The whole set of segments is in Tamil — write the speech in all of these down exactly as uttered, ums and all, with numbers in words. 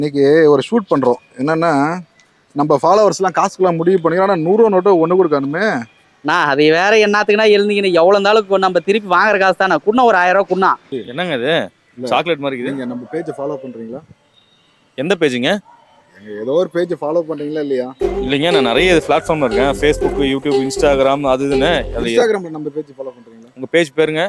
இன்னைக்கு ஒரு ஷூட் பண்றோம். என்னன்னா நம்ம ஃபாலோவர்ஸ்லாம் காசுக்குலாம் முடிவு பண்ணிக்கிறோம். ஆனால் நூறுரூவா நோட்டு ஒன்று கொடுக்கணுமே. நான் அது வேற என்னத்துக்குன்னா எழுந்தீங்கன்னு எவ்வளோ இருந்தாலும் நம்ம திருப்பி வாங்குற காசு தானே. குண்ணா ஒரு ஆயிரம் ரூபா குண்ணா. என்னங்க இது சாக்லேட் மாதிரி இருக்குது. நீங்க நம்ம பேஜை ஃபாலோ பண்றீங்களா? எந்த பேஜுங்க? ஏதோ ஒரு பேஜை ஃபாலோ பண்றீங்களா இல்லையா? இல்லைங்க, நான் நிறைய பிளாட்ஃபார்ம்ல இருக்கேன். ஃபேஸ்புக், யூடியூப், இன்ஸ்டாகிராம், அது இதுன்னு. இன்ஸ்டாகிராம்ல நம்ம பேஜ் ஃபாலோ பண்றீங்களா? உங்க பேஜ் பேருங்க?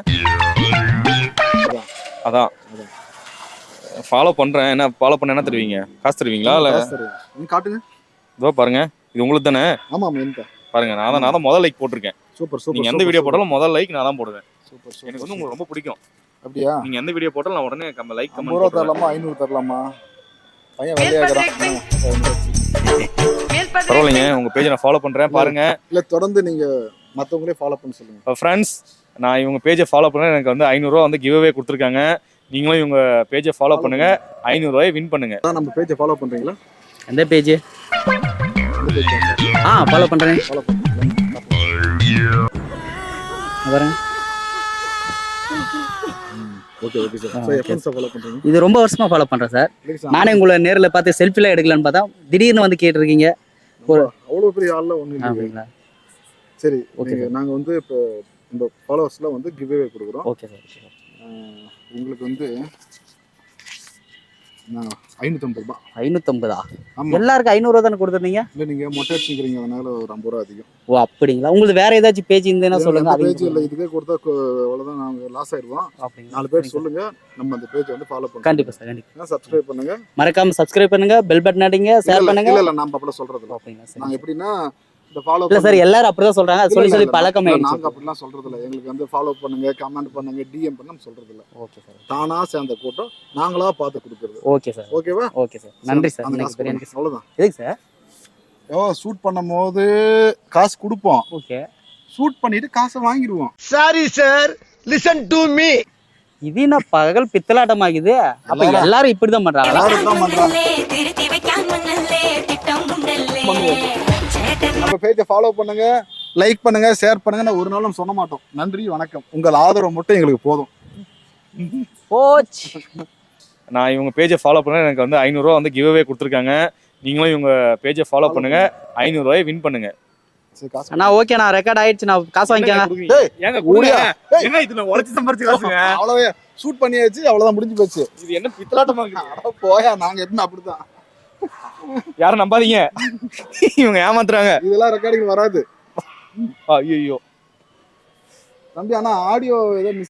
அதான் ஃபாலோ பண்றேன். என்ன ஃபாலோ பண்ண என்ன தருவீங்க? காசு தருவீங்களா இல்ல? நீங்க காட்டுங்க. இதோ பாருங்க, இது உங்களுக்கு தானே? ஆமா ஆமா எனக்கு பாருங்க, நான் தான் நான் தான் முதல் லைக் போட்டிருக்கேன். Super super. நீங்க எந்த வீடியோ போட்டாலும் முதல் லைக் நான் தான் போடுவேன். Super super. எனக்கு வந்து உங்களுக்கு ரொம்ப பிடிக்கும். அப்படியா? நீங்க எந்த வீடியோ போட்டாலும் நான் உடனே கம்ம லைக் கமெண்ட் நூறு தரலாமா ஐநூறு தரலாமா? பையன் வெள்ளையாகிறான். பரவாயில்லைங்க, உங்க பேஜை நான் ஃபாலோ பண்றேன் பாருங்க. இல்ல தொடர்ந்து நீங்க மத்தவங்களே ஃபாலோ பண்ண சொல்லுங்க. ஃப்ரெண்ட்ஸ், நான் இவங்க பேஜை ஃபாலோ பண்ணேன். எனக்கு வந்து ஐநூறுரூவா வந்து கிவ் அவே கொடுத்துருக்காங்க. நீங்களும் இவங்க பேஜை ஃபாலோ பண்ணுங்க, ஐநூறுரூவாயை வின் பண்ணுங்க. நம்ம பேஜை ஃபாலோ பண்றீங்களா? எந்த பேஜ்? ஆ ஃபாலோ பண்றேன். ஃபாலோ பண்ணுங்க. பாருங்க. Okay okay sir. சோ எப்போ சார் ஃபாலோ பண்றீங்க? இது ரொம்ப வருஷமா ஃபாலோ பண்றேன் சார். நானே உங்களை நேர்ல பார்த்து செல்ஃபிலாம் எடுக்கலான்னு பார்த்தா திடீர்னு வந்து கேட்டிருக்கீங்க. ஒரு அவ்வளவு பெரிய ஆள்ல ஒண்ணு இல்ல. அப்படிங்களா? சரி ஓகே. நாங்க வந்து இப்போ இந்த ஃபாலோவர்ஸ்லாம் வந்து கிவ் அவே கொடுக்குறோம். Okay sir. உங்களுக்கு வந்து ஐநூத்தம்பது ரூபாய். ஐநூத்தம்பதா? எல்லாருக்கும் ஐநூறு ரூபா தானே கொடுத்துருந்தீங்க? இல்லை நீங்க மொட்டை அடிச்சுக்கிறீங்க, அதனால ஒரு ஐம்பது ரூபா அதிகம். ஓ அப்படிங்களா? உங்களுக்கு வேற ஏதாச்சும் பேஜ் இருந்தேன்னா சொல்லுங்க. பேஜ் இல்லை, இதுக்கே கொடுத்தா அவ்வளோதான், நாங்க லாஸ் ஆயிடுவோம். நாலு பேர் சொல்லுங்க, நம்ம அந்த பேஜ் வந்து ஃபாலோ பண்ணுங்க. கண்டிப்பா சார், கண்டிப்பா. சப்ஸ்கிரைப் பண்ணுங்க, மறக்காம சப்ஸ்கிரைப் பண்ணுங்க, பெல் பட்டன் அடிங்க, ஷேர் பண்ணுங்க. இல்ல இல்ல நாம அப்படி சொல்றது இல்ல. அப்படிங்களா சார்? நாங்க எப்படின்னா இந்த ஃபாலோ இல்ல சார், எல்லாரும் அப்படிதான் சொல்றாங்க. சொல்லி சொல்லி பழக்கம் ஆயிடுச்சு. நாங்க அப்படிலாம் சொல்றது இல்ல. எங்களுக்கு வந்து ஃபாலோ பண்ணுங்க, கமெண்ட் பண்ணுங்க, டிஎம் பண்ண சொல்றது இல்ல. Okay sir. தானா சேர்ந்த கூட்டம் நாங்களா பார்த்து கொடுக்கிறது. Okay sir. ஓகேவா? Okay sir. நன்றி சார். அவ்வளவுதான். எதுக்கு சார்? ஓ ஷூட் பண்ணும்போது காசு கொடுப்போம். ஓகே. ஷூட் பண்ணிட்டு காசை வாங்கிடுவோம். Sorry sir, listen to me. இது என்ன பகல் பித்தலாட்டம் ஆகுது? அப்ப எல்லாரும் இப்படிதான் பண்றாங்க. எல்லாரும் தான் பண்றாங்க. நம்ம பேஜை ஃபாலோ பண்ணுங்க, லைக் பண்ணுங்க, ஷேர் பண்ணுங்க. நான் ஒரு நாளும் சொல்ல மாட்டோம். நன்றி வணக்கம். உங்கள் ஆதரவு மட்டும் எங்களுக்கு போதும். போச்சு. நான் இவங்க பேஜை ஃபாலோ பண்ணேன். எனக்கு வந்து ஐநூறுரூவா வந்து கிவ் அவே கொடுத்துருக்காங்க. நீங்களும் இவங்க பேஜை ஃபாலோ பண்ணுங்க, ஐநூறுரூவாயை வின் பண்ணுங்க. அண்ணா ஓகே, நான் ரெக்கார்ட் ஆயிடுச்சு. நான் காசு வாங்கிக்கங்க. ஏங்க கூடியா? ஏங்க இது நான் உழைச்சு சம்பாரிச்ச காசுங்க. அவ்வளவே ஷூட் பண்ணியாச்சு, அவ்வளவுதான், முடிஞ்சு போச்சு. இது என்ன பித்தலாட்டமா இருக்குது? போயா, நாங்க எப்பவுமே அப்படிதான். யாரும் நம்பாதீங்க, இவங்க ஏமாத்துறாங்க. இதெல்லாம் ரெக்கார்டிங் வராது. ஐயோ தம்பி, ஆனா ஆடியோ ஏதோ